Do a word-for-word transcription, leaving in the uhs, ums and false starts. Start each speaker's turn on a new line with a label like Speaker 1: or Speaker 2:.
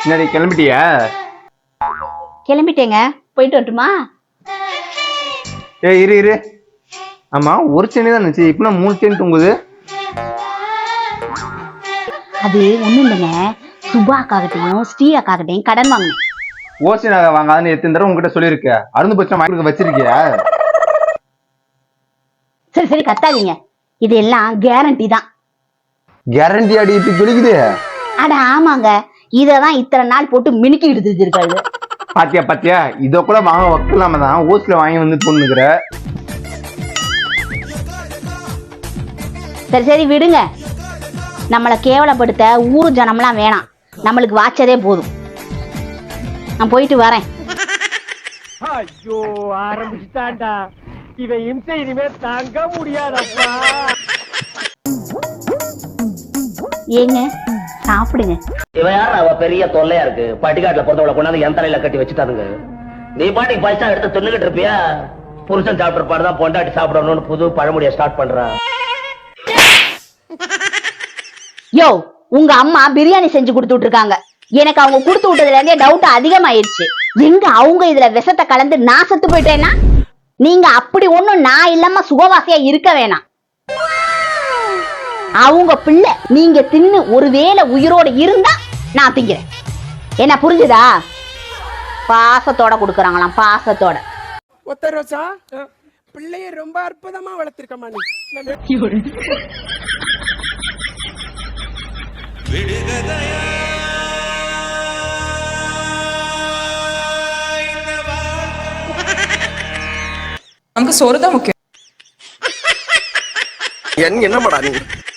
Speaker 1: என்னடி கிளம்பிட்டியா?
Speaker 2: கிளம்பிட்டேங்க, போயிட்டு வரட்டுமா?
Speaker 1: ஏ இரு இரு. ஆமா, ஒரு சென்னை தான் இருந்துச்சு, இப்ப மூணு சென்னை தூங்குது.
Speaker 2: அது ஒண்ணும் இல்லைங்க, சுபா அக்காகிட்டையும் ஸ்ரீ அக்காகிட்டையும் கடன் வாங்கினேன்.
Speaker 1: ஓசி நகை வாங்காதுன்னு எத்தனை தடவை உங்ககிட்ட சொல்லியிருக்க? அருந்து பட்சம் வாங்கி வச்சிருக்கியா?
Speaker 2: சரி சரி கத்தாதீங்க, இது எல்லாம் கேரண்டி தான்.
Speaker 1: கேரண்டி அடிட்டு குளிக்குது.
Speaker 2: அட ஆமாங்க, இததான் இத்தனை நாள் போட்டு மினுக்கிட்டு இருக்காது.
Speaker 1: பாத்தியா பாத்தியா, இத கூட வாங்க வக்கலாம தான் ஓசில வாங்கி வந்து பொண்ணுக்கிற.
Speaker 2: சரி சரி விடுங்க, நம்மளை கேவலப்படுத்த ஊரு ஜனம்லாம் வேணாம், நம்மளுக்கு வாச்சதே போதும். நான் போயிட்டு வரேன்.
Speaker 3: ஐயோ ஆரம்பிச்சுட்டான்டா இவன் இம்சை, இனிமே தாங்க முடியாதப்பா.
Speaker 2: ஏங்க சாப்பிடுங்க.
Speaker 4: இவன் யாரு? அவ பெரிய தொல்லையா இருக்கு. பட்டிக்காட்டுல பொறுத்தவளை கொண்டாந்து என் தலையில கட்டி வச்சுட்டானுங்க. நீ பாட்டிக்கு பைசா எடுத்து தின்னுகிட்டு இருப்பியா? புருஷன் சாப்பிட்ற தான் பொண்டாட்டி சாப்பிடணும்னு புது பழமொழியை ஸ்டார்ட் பண்றான்.
Speaker 2: யோ, உங்க அம்மா பிரியாணி செஞ்சு கொடுத்துட்டு இருக்காங்க. எனக்கு அவங்க கொடுத்து விட்டதுல இருந்தே டவுட் அதிகமாயிருச்சு. எங்க அவங்க இதுல விஷத்தை கலந்து நான் செத்து போயிட்டேன்னா? நீங்க அப்படி ஒண்ணும் நான் இல்லாம சுகவாசியா இருக்க வேணாம். அவங்க பிள்ளை நீங்க தின்னு ஒருவேளை உயிரோட இருந்தா நான் திங்கிறேன். என்ன புரிஞ்சுதா? பாசத்தோட கொடுக்கறாங்களாம், பாசத்தோட.
Speaker 5: ஒத்த ரோசா, பிள்ளைய ரொம்ப அற்புதமா வளர்த்திருக்கமா நீ.
Speaker 6: நமக்கு சோறு தான் முக்கியம்.
Speaker 7: என்ன பண்ணா நீ?